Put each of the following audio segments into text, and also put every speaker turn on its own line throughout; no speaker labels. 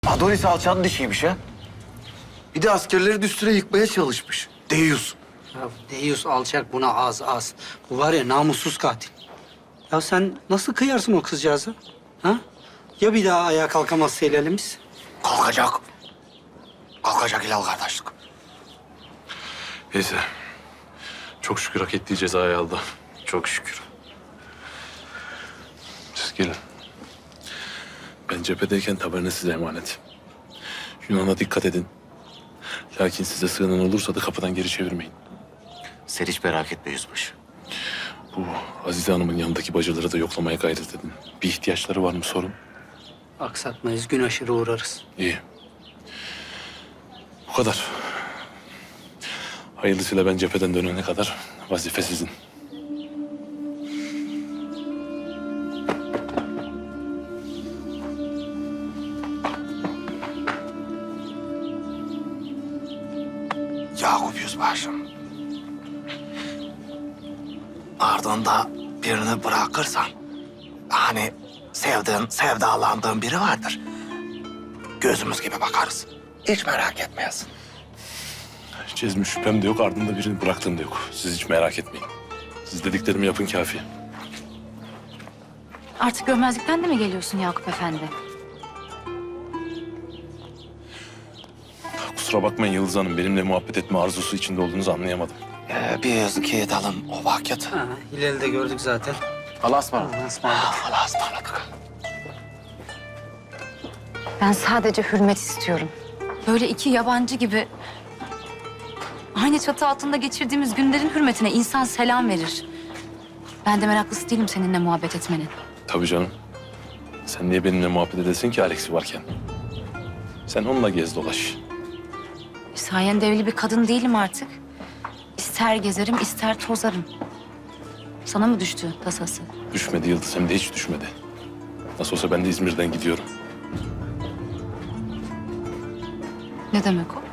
Adonis alçan dişiymiş ha. Bir de askerleri düsture yıkmaya çalışmış. Deyyus.
Ya Deyyus alçak buna az. Bu var ya namussuz katil. Ya sen nasıl kıyarsın o kızcağıza? Ha? Ya bir daha ayağa kalkamazsa el elimiz?
Kalkacak. Kalkacak Hilal kardeşlik.
Neyse. Çok şükür hak ettiği cezayı aldı.
Çok şükür.
Siz gelin. Ben cephedeyken taberna size emanet. Yunan'a dikkat edin. Lakin size sığınan olursa da kapıdan geri çevirmeyin.
Sen hiç merak etme yüzbaşı.
Bu Azize Hanım'ın yanındaki bacıları da yoklamaya gayret edin. Bir ihtiyaçları var mı sorun.
Aksatmayız, gün aşırı uğrarız.
İyi. Bu kadar. Hayırlısıyla ben cepheden dönene kadar vazife sizin.
Yakup yüzbaşım. Ardında birini bırakırsan... hani sevdiğin, sevdalandığın biri vardır. Gözümüz gibi bakarız. Hiç merak etmeyesin.
Cezmi şüphem de yok, ardında birini bıraktığım da yok. Siz hiç merak etmeyin. Siz dediklerimi yapın kafi.
Artık görmezlikten de mi geliyorsun Yakup Efendi?
Kusura bakmayın Yıldız Hanım, benimle muhabbet etme arzusu içinde olduğunuzu anlayamadım.
Biz gidelim o vakit.
Ha, Hilal'i de gördük zaten.
Allah'a ısmarladık.
Allah'a ısmarladık.
Allah'a ısmarladık.
Ben sadece hürmet istiyorum. Böyle iki yabancı gibi... aynı çatı altında geçirdiğimiz günlerin hürmetine insan selam verir. Ben de meraklısı değilim seninle muhabbet etmenin.
Tabii canım. Sen niye benimle muhabbet edesin ki Alex'i varken? Sen onunla gez dolaş.
Sayende evli bir kadın değilim artık. İster gezerim, ister tozarım. Sana mı düştü tasası?
Düşmedi Yıldız, hem de hiç düşmedi. Nasıl olsa ben de İzmir'den gidiyorum.
Ne demek o?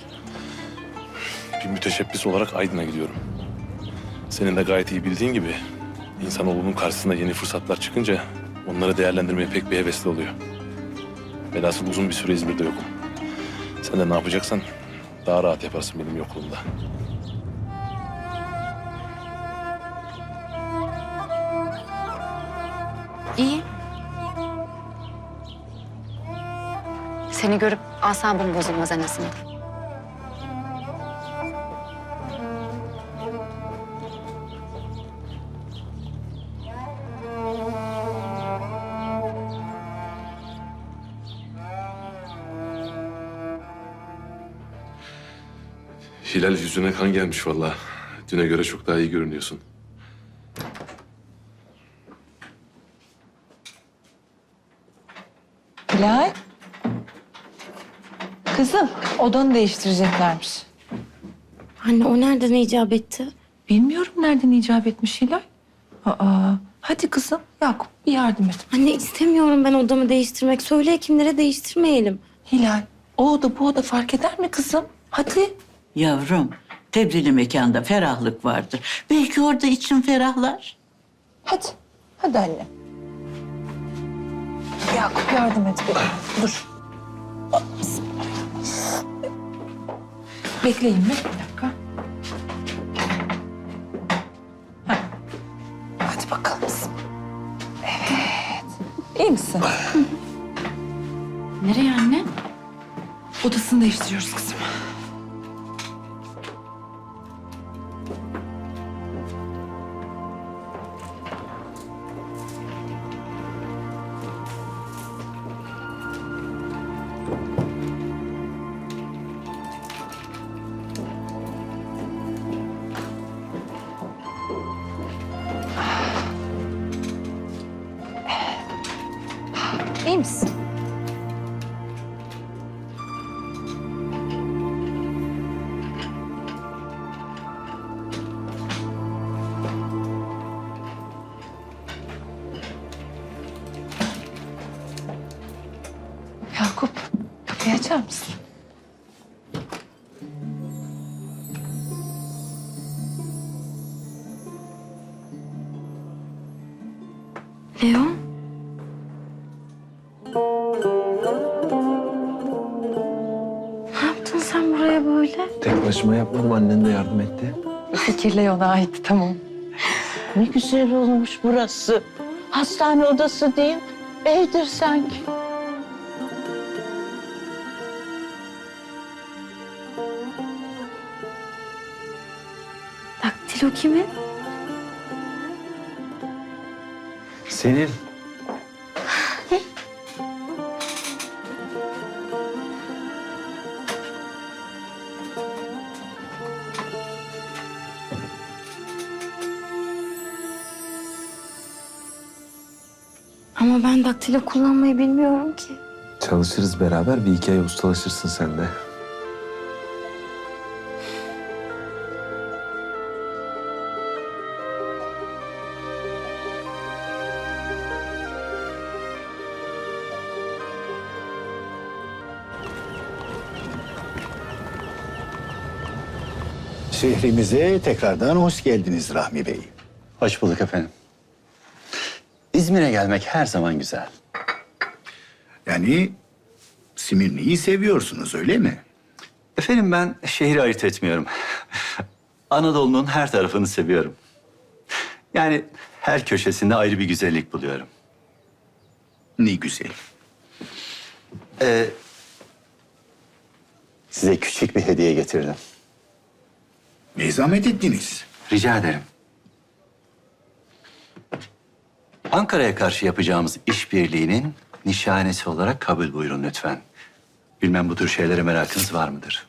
Bir müteşebbis olarak Aydın'a gidiyorum. Senin de gayet iyi bildiğin gibi... insanoğlunun karşısına yeni fırsatlar çıkınca... onları değerlendirmeye pek bir hevesli oluyor. Velhasıl uzun bir süre İzmir'de yokum. Sen de ne yapacaksan daha rahat yaparsın benim yokluğumda.
İyi. Seni görüp asabım bozulmaz en azından.
Hilal, yüzüne kan gelmiş vallahi. Düne göre çok daha iyi görünüyorsun.
Hilal. Kızım, odanı değiştireceklermiş.
Anne o nereden icap etti?
Bilmiyorum nereden icap etmiş Hilal. Hadi kızım, Yakup bir yardım et.
Anne istemiyorum ben odamı değiştirmek. Söyle hekimlere değiştirmeyelim.
Hilal, o oda bu oda fark eder mi kızım? Hadi.
Yavrum, tebdili mekanda ferahlık vardır. Belki orada için ferahlar.
Hadi. Hadi anne. Yakup yardım et bana. Dur. Bekleyin mi? Bir dakika. Heh. Hadi bakalım kızım. Evet. İyi misin?
Nereye anne?
Odasını değiştiriyoruz kızım. İyi misin? Yakup, kapıyı açar mısın?
Leo?
Tek başıma yapmadım, annen de yardım etti.
Fikirle ona ait, tamam.
Ne güzel olmuş burası. Hastane odası değil, evdir sanki.
Daktilo kimin?
Senin.
Ama ben daktilo kullanmayı bilmiyorum ki.
Çalışırız beraber, bir iki ay ustalaşırsın sen de.
Şehrimize tekrardan hoş geldiniz Rahmi Bey.
Hoş bulduk efendim. İzmir'e gelmek her zaman güzel.
Yani Simirni'yi seviyorsunuz öyle mi?
Efendim ben şehri ayırt etmiyorum. Anadolu'nun her tarafını seviyorum. Yani her köşesinde ayrı bir güzellik buluyorum.
Ne güzel.
Size küçük bir hediye getirdim.
Ne zahmet ettiniz?
Rica ederim. Ankara'ya karşı yapacağımız işbirliğinin nişanesi olarak kabul buyurun lütfen. Bilmem bu tür şeylere merakınız var mıdır?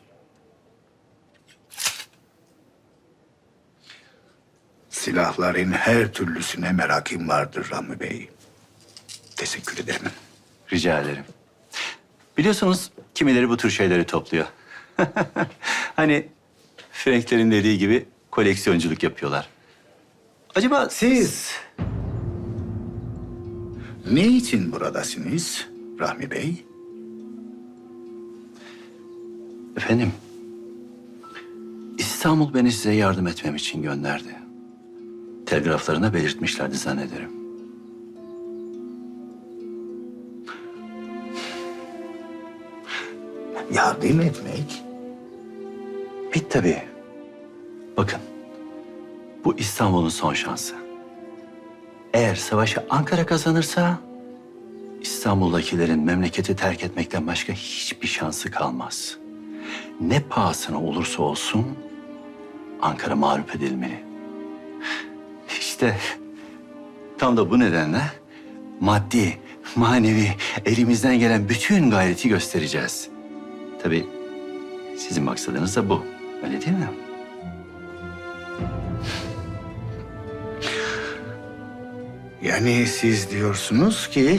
Silahların her türlüsüne merakım vardır Rahmi Bey. Teşekkür ederim.
Rica ederim. Biliyorsunuz kimileri bu tür şeyleri topluyor. Hani Frankler'in dediği gibi koleksiyonculuk yapıyorlar. Acaba
Siz ne için buradasınız Rahmi Bey?
Efendim, İstanbul beni size yardım etmem için gönderdi. Telgraflarına belirtmişlerdi zannederim.
Yardım etmek?
Tabii. Bakın, bu İstanbul'un son şansı. Eğer savaşı Ankara kazanırsa, İstanbul'dakilerin memleketi terk etmekten başka hiçbir şansı kalmaz. Ne pahasına olursa olsun Ankara mağlup edilmeli. İşte tam da bu nedenle maddi, manevi elimizden gelen bütün gayreti göstereceğiz. Tabii sizin maksadınız da bu. Öyle değil mi?
Yani siz diyorsunuz ki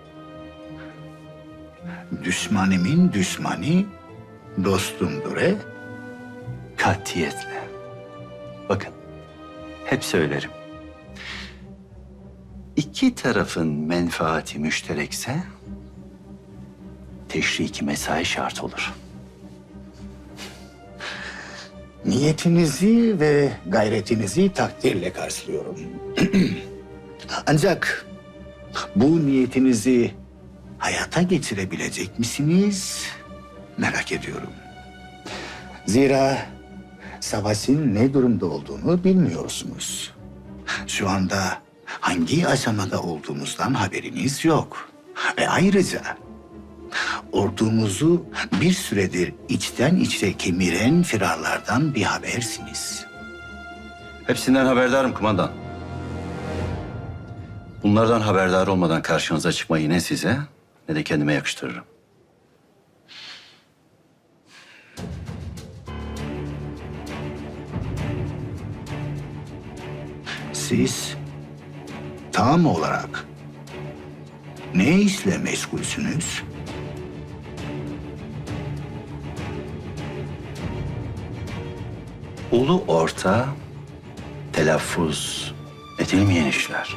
düşmanımın düşmanı dostumdur he?
Katiyetle. Bakın, hep söylerim. İki tarafın menfaati müşterekse teşriki mesai şart olur.
Niyetinizi ve gayretinizi takdirle karşılıyorum. Ancak bu niyetinizi hayata geçirebilecek misiniz? Merak ediyorum. Zira savaşın ne durumda olduğunu bilmiyorsunuz. Şu anda hangi aşamada olduğumuzdan haberiniz yok. Ayrıca ordumuzu bir süredir içten içe kemiren firarlardan bir habersiniz.
Hepsinden haberdarım kumandan. Bunlardan haberdar olmadan karşınıza çıkmayı ne size ne de kendime yakıştırırım.
Siz tam olarak ne işle meşgulsünüz?
Ulu orta telaffuz edilmeyen işler.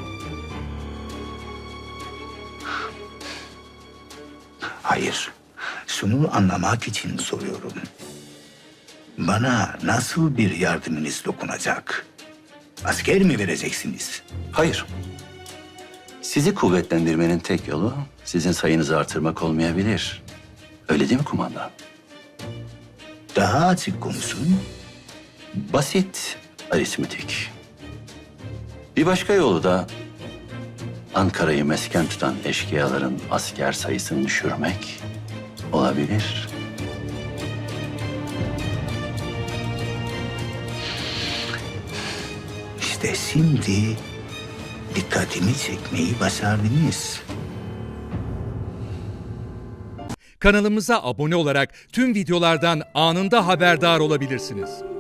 Hayır, şunu anlamak için soruyorum. Bana nasıl bir yardımınız dokunacak? Asker mi vereceksiniz?
Hayır. Sizi kuvvetlendirmenin tek yolu sizin sayınızı artırmak olmayabilir. Öyle değil mi kumandan?
Daha açık konuşun.
Basit aritmetik. Bir başka yolu da Ankara'yı mesken tutan eşkıyaların asker sayısını düşürmek olabilir.
İşte şimdi dikkatimi çekmeyi başardınız.
Kanalımıza abone olarak tüm videolardan anında haberdar olabilirsiniz.